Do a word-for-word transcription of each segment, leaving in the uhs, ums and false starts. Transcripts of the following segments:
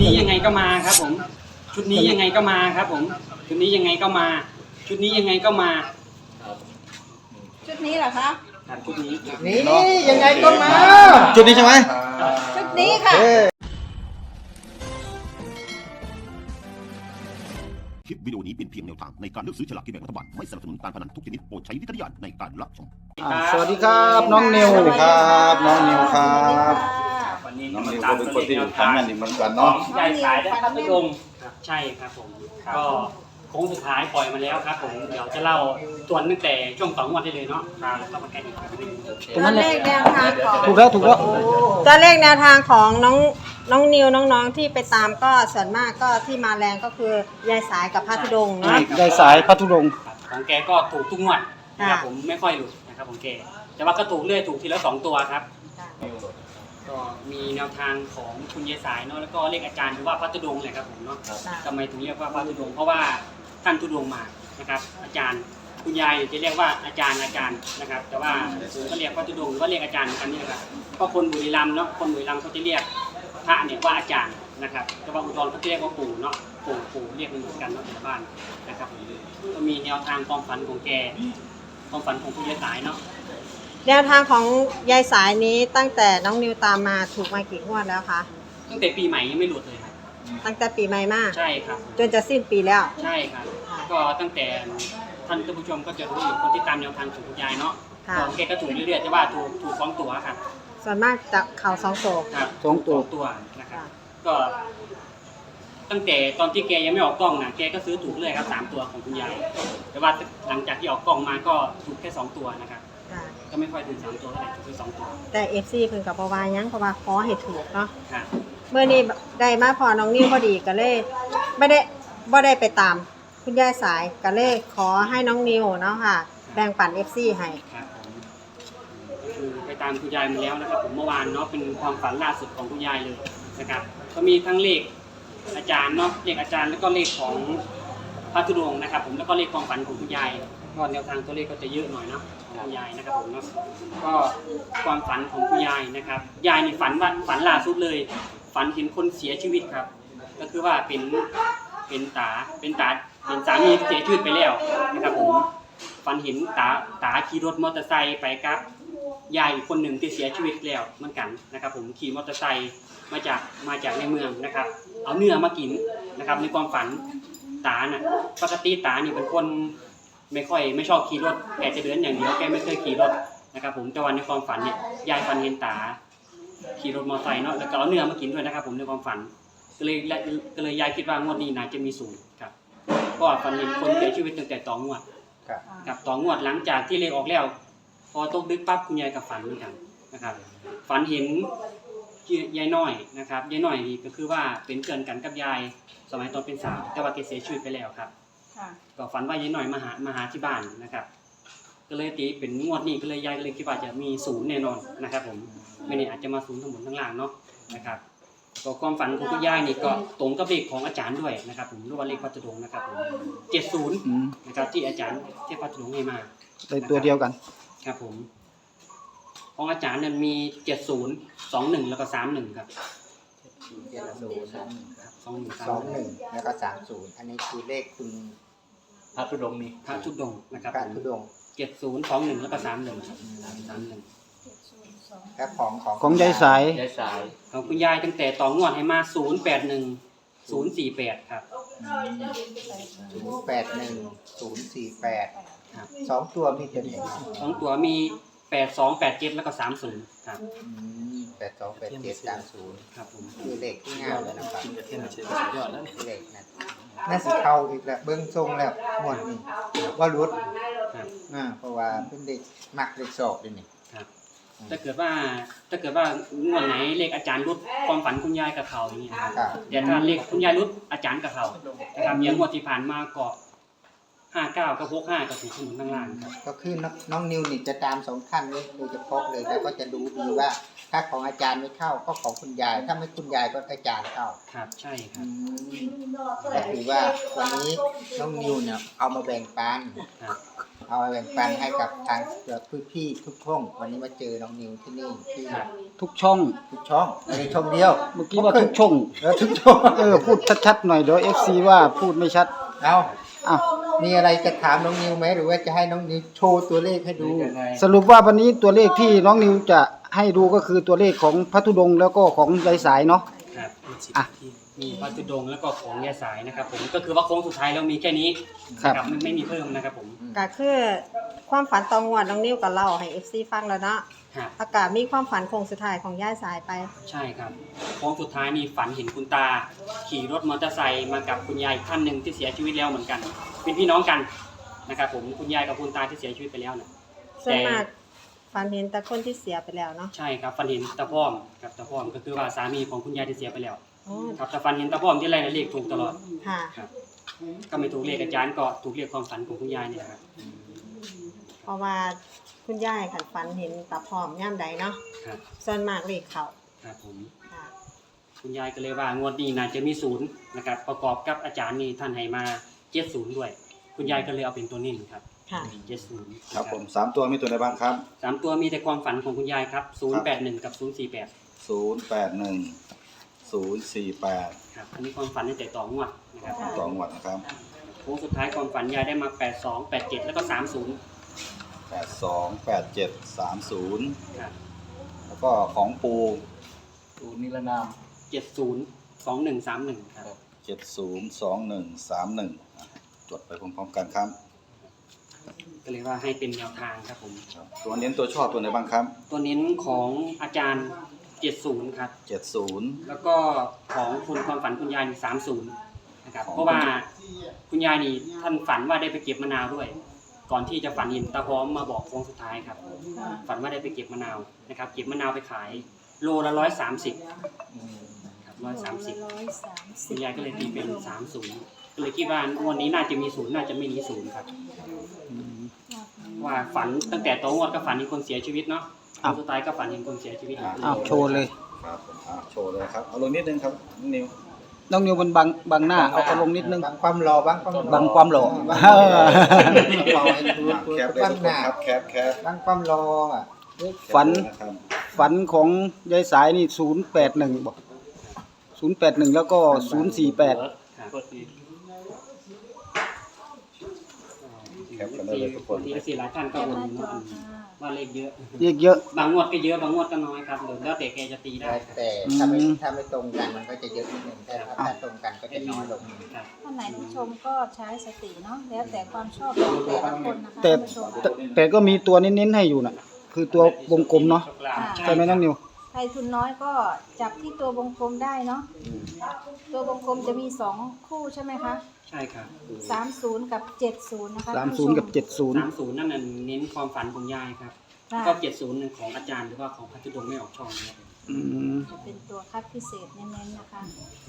นี้ยังไงก็มาครับผมชุดนี้ยังไงก็มาครับผมชุดนี้ยังไงก็มาชุดนี้ยังไงก็มาชุดนี้เหรอคะครับชุดนี้นี่ยังไงก็มาจุดนี้ใช่ไหมชุดนี้ค่ะคลิปวิดีโอนี้เป็นเพียงแนวทางในการเลือกซื้อฉลากกินแบ่งรัฐบาลไม่สนับสนุนการพนันทุกชนิดโปรดใช้วิจารณญาณในการรับชมอ่าสวัสดีครับน้องนิวครับน้องนิวครับวันนี้น้องมานิวตาก็มเป็นตัวคนเลขที่แนวทำทางงานนี่เหมือนกันขอเนาะงยายสายและพัทลุงครับใช่ครับผมก็โค้งสุดท้ายปล่อยมาแล้วครับผมเดี๋ยวจะเล่าส่วนตั้งแต่ช่วงสองวันได้เลยเนาะครับแล้วก็มาแก้อีกทีนึงตัวเลขแนวทางของถูกแล้วถูกแล้วตัวเลขแนวทางของน้องน้องนิวน้องๆที่ไปตามก็ส่วนมากก็ที่มาแรงก็คือยายสายกับพระธุดงค์เนาะยายสายพัทลุงครับของแกก็ถูกทุกงวดนะครับผมไม่ค่อยหลุดนะครับของแกแต่ว่าก็ถูกเรื่อยถูกทีละสองตัวครับก็มีแนวทางของคุณยายสายเนาะแล้วก็เรียกอาจารย์หรือว่าพระธุดงค์เลยครับผมเนาะทำไมถึงเรียกว่าพระธุดงค์เพราะว่าท่านธุดงค์มานะครับอาจารย์คุณยายจะเรียกว่าอาจารย์อาจารย์นะครับแต่ว่าผมก็เรียกพระธุดงค์หรือว่าเรียกอาจารย์เหมือนกันนี่แหละครับเพราะคนบุรีรัมย์เนาะคนบุรีรัมย์เขาจะเรียกพระเนี่ยว่าอาจารย์นะครับแต่ว่าอุดรเขาจะเรียกว่าปู่เนาะปู่ปู่เรียกเหมือนกันเนาะแต่ละบ้านนะครับผมก็มีแนวทางความฝันของแกความฝันของคุณยายสายเนาะแนวทางของยายสายนี้ตั้งแต่น้องนิวตามมาถูกมากี่งวดแล้วคะตั้งแต่ปีใหม่ยังไม่หลุดเลยครับตั้งแต่ปีใหม่มาใช่ครับจนจะสิ้นปีแล้วใช่ครับก็ตั้งแต่ท่านผู้ชมก็จะรู้อยู่คนที่ตามแนวทางของคุณยายเนาะค่ะของแกก็ถูกเรื่อยๆแต่ว่าถูกถูกสองตัวครับส่วนมากจะเข่าสองโศกครับสองตัวตัวนะครับก็ ตั้งแต่ตอนที่แกยังไม่ออกกล้องนะแกก็ซื้อถูกเลยครับสามตัวของคุณยายแต่ว่าหลังจากที่ออกกล้องมาก็ถูกแค่สองตัวนะครับค่ะก็ไม่ค่อยถึงสามตัวเท่าไหร่ถูกแค่สองตัวแต่เอฟซีเพิ่นกับปวายังเพราะว่าขอให้ถูกเนาะครับเมื่อนี้ได้มาพอน้องนิวพอดีก็เลยไม่ได้บ่ได้ไปตามคุณยายสายก็เลยขอให้น้องนิวเนาะค่ะ แบ่งปัน เอฟ ซี ให้ครับผมก็คือไปตามคุณยายมาแล้วนะครับผมเมื่อวานเนาะเป็นความฝันล่าสุดของคุณยายเลยนะครับก็มีทั้งเลขอาจารย์เนาะเลขอาจารย์แล้วก็เลขของพระธุดงค์นะครับผมแล้วก็เลขความฝันของคุณยายก็แนวทางตัวเลขก็จะเยอะหน่อยเนาะของคุณยายนะครับผมเนาะก็ความฝันของคุณยายนะครับยายในฝันว่าฝันล่าสุดเลย ฝันเห็นคนเสียชีวิตครับ ก็คือว่าเป็นเป็นตาเป็นตาเป็นสามีที่เสียชีวิตไปแล้วนะครับผมฝันเห็นตาตาขี่รถมอเตอร์ไซค์ไปกับยายอีกคนหนึ่งที่เสียชีวิตแล้วเหมือนกันนะครับผมขี่มอเตอร์ไซค์มาจากมาจากในเมืองนะครับ เอาเนื้อมากินนะครับในความฝันตาน่ะปกติตานี่เป็นคนไม่ค่อยไม่ชอบขี่รถแกจะเดินอย่างเดียวแกไม่เคยขี่รถนะครับผมแต่วันในความฝันเนี่ยยายฝันเห็นตาขี่รถมอเตอร์ไซค์เนาะแล้วก็เอาเนื้อมากินด้วยนะครับผมในความฝันก็เลยก็เลยยายคิดว่างวดนี้น่าจะมีสูตรครับก็ฝันเห็นคนเสียชีวิตตั้งแต่ต่องวดกับต่องวดหลังจากที่เลขออกแล้วพอตกดึกปั๊บคุณยายกับฝันเหมือนกันนะครับฝันเห็นยายน้อยนะครับยายน้อยนี่ก็คือว่าเป็นเกินกันกับยายสมัยตอนเป็นสาวแต่ว่าแกเสียชีวิตไปแล้วครับก็ฝันว่ายายน้อยมาหามาหาที่บ้านนะครับก็เลยตีเป็นงวดนี้ก็เลยยายก็เลยคิดว่าจะมีศูนย์แน่นอนนะครับผมไม่แน่อาจจะมาศูนย์ทั้งหมดทั้งล่างเนาะนะครับก็ความฝันของคุณยายนี่ก็ตรงกับเลขของอาจารย์ด้วยนะครับผมหรือว่าเลขพัฒดงนะครับผมเจ็ดศูนย์นะครับที่อาจารย์ที่พัฒดงให้มาได้ตัวเดียวกันครับผมของอาจารย์นั้นมีเจ็ดศูนย์สองหนึ่งแล้วก็สามหนึ่งครับเจ็ดศูนย์สองหนึ่งสามสองหนึ่งแล้วก็สามศูนย์อันนี้คือเลขคุณพระธุดงค์นี่พระชุดดงนะครับพระธุดงค์เจ็ดศูนย์สองหนึ่งแล้วก็สามหนึ่งครับสามหนึ่งและของของของยายสายยายสายของคุณยายตั้งแต่ต่องวดให้มาศูนย์แปดหนึ่งศูนย์สี่แปดครับศูนย์แปดหนึ่งศูนย์สี่แปดครับสองตัวมีตัวไหนสองตัวมีแปดสองแปดเจ็ดแล้วก็สามศูนย์ครับแปดสองแปดเจ็ดสามศูนย์ครับผมคือเลขที่งามเลยนะครับยอดแล้วเลขนั้นน่าสิเข้าอีกแล้วเบิ้งทรงแล้วหมดนี่ว่ารุดครับอ่าเพราะว่าเป็นเด็กมักเด็กสอบด้วยนี่ครับถ้าเกิดว่าถ้าเกิดว่างวดไหนเลขอาจารย์รุดความฝันคุณยายกับเขาอย่างเงี้ยครับครับแต่ถ้าเลขคุณยายรุดอาจารย์กับเขานะครับอย่างงวดที่ผ่านมาก็ห้าเก้ากับหกห้ากับถูกขนุนข้างล่างครับก็คือน้องน้องนิวนี่จะตามสองท่านนี้โดยเฉพาะเลยแล้วก็จะดูดีว่า ถ้าของอาจารย์ไม่เข้าก็ของคุณยาย ถ้าไม่คุณยายก็อาจารย์เข้าครับใช่ครัอืบมก็ถือว่าวันนี้น้องนิวเนี่ยเอามาแบ่งปันครับเอาเอาแบ่งปันให้กับทางพี่ๆทุกช่องวันนี้มาเจอน้องนิวที่นี่ที่ทุกช่องทุกช่องไม่ได้ช่องเดียวเมื่อกี้ว่าทุกช่องเออทุกช่องเออพูดชัดๆหน่อยเดี๋ยว เอฟ ซี ว่าพูดไม่ชัดเอาอ่ะมีอะไรจะถามน้องนิวไหมหรือว่าจะให้น้องนิวโชว์ตัวเลขให้ดูสรุปว่าวันนี้ตัวเลขที่น้องนิวจะให้ดูก็คือตัวเลขของพระธุดงค์แล้วก็ของยายสายเนาะครับอ่ะมีพระธุดงค์แล้วก็ของยาสายนะครับผมก็คือว่าโค้งสุดท้ายแล้วมีแค่นี้ครับนะไม่ไม่มีเพิ่มนะครับผมก็คือความฝันตองวดน้องนิ้วก็เล่าให้ เอฟ ซี ฟังแล้วเนาะครับอากาศมีความฝันโคงสุดท้ายของย่าสายไปใช่ครับโค้งสุดท้ายนี่ฝันเห็นคุณตา ขี่รถมอเตอร์ไซค์มากับคุณยายอีกท่านหนึ่งที่เสียชีวิตแล้วเหมือนกัน เป็นพี่น้องกันนะครับผมคุณยายกับคุณตาที่เสียชีวิตไปแล้วเนี่ยส่วนมากฝันเห็นแต่คนที่เสียไปแล้วเนาะใช่ครับฝันเห็นตาพ่อมกับตาพ่อมก็คือว่าสามีของคุณยายที่เสียไปแล้วอ๋อครับแต่ฝันเห็นตาพ่อมที่ไรนะเลขถูกตลอดค่ะครับก็ไม่ถูกเลขอาจารย์ก็ถูกเลขความฝันของคุณยายเนี่ยครับเพราะว่าคุณย่ายขันฝันเห็นตาพร้อมย่ามใดเนาะครับส่วนมากเลขเขาครับผมค่ะคุณยายก็เลยว่างวดนี้น่าจะมีศูนย์นะครับประกอบกับอาจารย์นี่ท่านให้มาเจ็ดศูนย์ด้วย คุณยายก็เลยเอาเป็นตัวนิ่งครับค่ะเจ็ดศูนย์ครับผมสามตัวมีตัวไหนบ้างครับสามตัวมีแต่ความฝันของคุณยายครับศูนย์แปดหนึ่งกับศูนย์สี่แปดศูนย์แปดหนึ่ง ศูนย์สี่แปดครับอันนี้ความฝันตั้งแต่ต่องวดนะครับสองวัดนะครับโค้งสุดท้ายความฝันยายได้มาแปดสองแปดเจ็ดแล้วก็สามศูนย์แปดสองแปดเจ็ดสามศูนย์ครับแล้วก็ของปูปูนิรนามเจ็ดศูนย์สองหนึ่งสามหนึ่งครับเจ็ดศูนย์สองหนึ่งสามหนึ่งจดไปพร้อมๆกันครับก็เลยว่าให้เป็นแนวทางครับผมครับ ตัวเน้นตัวชอบตัวไหนบ้างครับตัวเน้นของอาจารย์เจ็ดศูนย์ครับเจ็ดศูนย์แล้วก็ของคุณความฝันคุณยายนี่สามศูนย์นะครับของเพราะว่าคุณยายนี่ท่านฝันว่าได้ไปเก็บมะนาวด้วย ก่อนที่จะฝันเห็นตาพร้อมมาบอกโค้งสุดท้ายครับ ฝันว่าได้ไปเก็บมะนาวนะครับ เก็บมะนาวไปขายโลละร้อยสามสิบครับร้อยสามสิบคุณยายก็เลยตีเป็นสามศูนย์ก็เลยคิดว่าวันนี้น่าจะมีศูนย์น่าจะไม่มีศูนย์ครับว่าฝันตั้งแต่โตงวดก็ฝันเห็นคนเสียชีวิตเนาะโค้งสุดท้ายก็ฝันเห็นคนเสียชีวิตอ้าวโชว์เลยครับผมอ้าวโชว์เลยครับเอาลงนิดนึงครับน้องนิวน้องนิวมันบังบังหน้าเอาเอาลงนิดนึงบางความรอบางความบางความหล่อบางความรอให้ดูแคปเลยทุกคนครับแคปแคปบางความรออ่ะฝันฝันของยายสายนี่ศูนย์แปดหนึ่งบอกศูนย์แปดหนึ่งแล้วก็ศูนย์สี่แปด แคปกันได้เลยทุกคนทีละสี่หลายท่านก็วนเนาะว่าเลขเยอะเยอะเยอะบางงวดก็เยอะบางงวดก็น้อยครับเดี๋ยวแล้วแต่แกจะตีได้แต่ถ้าไม่ถ้าไม่ตรงกันมันก็จะเยอะนิดนึงแต่ถ้าตรงกันก็จะน้อยลงครับท่านไหนที่ชมก็ใช้สติเนาะแล้วแต่ความชอบของแต่ละคนนะคะแต่ท่านผู้ชมแต่แต่ก็มีตัวเน้นๆให้อยู่น่ะ คือตัววงกลมเนาะใช่ไหมน้องนิวใครทุนน้อยก็จับที่ตัววงกลมได้เนาะตัววงกลมจะมีสองคู่ใช่ไหมคะใช่ครับสามศูนย์กับเจ็ดศูนย์นะคะสามศูนย์กับเจ็ดศูนย์สามศูนย์นั่นน่ะเน้นความฝันของยายครับค่ะก็เจ็ดศูนย์ของอาจารย์หรือว่าของพัทธุดงค์ไม่ออกช่องนะครับอืมจะเป็นตัวคัดพิเศษเน้นๆนะคะ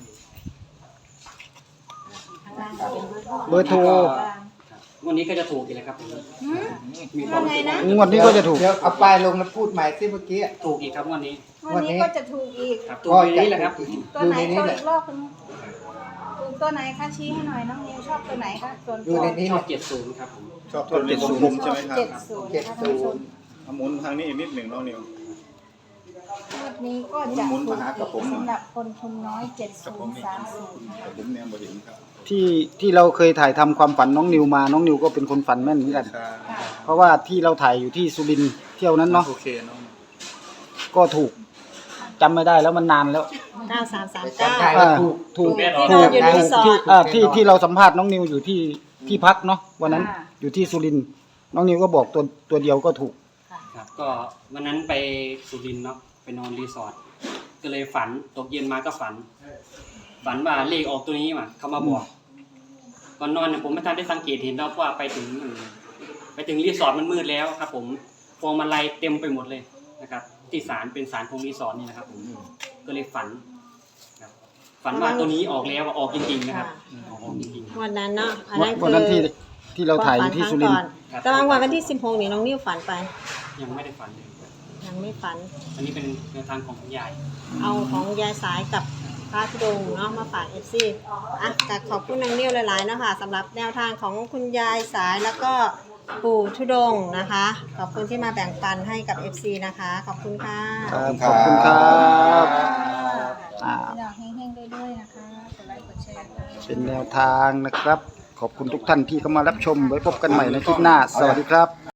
ข้างล่างจะเป็นเบอร์โทรครับวันนี้ก็จะถูกอีกแล้วครับผมหืมมีความว่าไงนะงวดนี้ก็จะถูกเดี๋ยวเอาป้ายลงแล้วพูดใหม่สิเมื่อกี้ถูกอีกครับวันนี้วันนี้ก็จะถูกอีกครับถูกในนี้แหละครับตัวไหนโชว์อีกรอบคุณถูกตัวไหนคะชี้ให้หน่อยน้องนิวชอบตัวไหนคะส่วนอตัยู่วในนี้ชอบเจ็ดศูนย์ครับผมชอบตัวเลขวงกลมใช่ไหมครับเจ็ดศูนย์เจ็ดนะคะศูท่านผู้ชมนย์เอาหมุนทางนี้อีกนิดหนึ่งน้องนิวงวดนี้ก็จะหมุถูนกมาหากับผมสำหรับคนทุนน้อยเจ็ดศูนย์สามศูนย์แต่ผมเนี่ยบ่เห็นครับที่ที่เราเคยถ่ายทำความฝันน้องนิวมาน้องนิวก็เป็นคนฝันแม่นเหมือนกันค่ะเพราะว่าที่เราถ่ายอยู่ที่สุรินทร์เที่ยวนั้นเนาะโอเคน้องก็ถูกจำไม่ได้แล้วมันนานแล้วเก้าสามสามเก้าจำได้อ่าถูกถูกที่ถูนอนกอยู่ในรีสอร์ทที่อ่าที่ที่เราสัมภาษณ์น้องนิวอยู่ที่ที่พักเนาะวันนั้นอยู่ที่สุรินทร์น้องนิวก็บอกตัวตัวเดียวก็ถูกครับก็วันนั้นไปสุรินทร์เนาะไปนอนรีสอร์ทก็เลยฝันตกเย็นมาก็ฝัน ฝันว่าเลขออกตัวนี้มาเขามาบอกก่อนนอนเนี่ยผมไม่ทันได้สังเกตเห็นแล้วว่าไปถึงไปถึงรีสอร์ทมันมืดแล้วครับ ผมพวงมาลัยเต็มไปหมดเลยนะครับ ที่ศาลเป็นศาลของรีสอร์ทนี่นะครับ ผมก็เลยฝันครับฝันว่าตัวนี้ออกแล้วออกจริงๆนะครับออกจริงวันนั้นเนาะอันนั้นวันคือนั้นที่ที่เราถ่ายอยู่ที่สุรินทร์แต่บางวันวันที่สิบหกนี่น้องนิ้วฝันไปๆยังไม่ได้ฝันเลยยังไม่ฝันอันนี้เป็นแนวทางของคุณยายเอาของยายสายกับพระธุดงค์เนาะมาฝากเอฟซีอ่ะก็ขอบคุณน้องนิ้วหลายๆเนาะค่ะสำหรับแนวทางของคุณยายสายแล้วก็ปู่ธุดงค์นะคะ ขอบคุณที่มาแบ่งปันให้กับ เอฟ ซี นะคะ ขอบคุณค่ะครับขอบคุณครับ อ่าพี่น้องเฮงๆด้วยๆนะคะกดไลค์กดแชร์ค่ะเป็นแนวทางนะครับ ขอบคุณทุกท่านที่เข้ามารับชมไว้พบกันใหม่ในคลิปหน้า สวัสดีครับ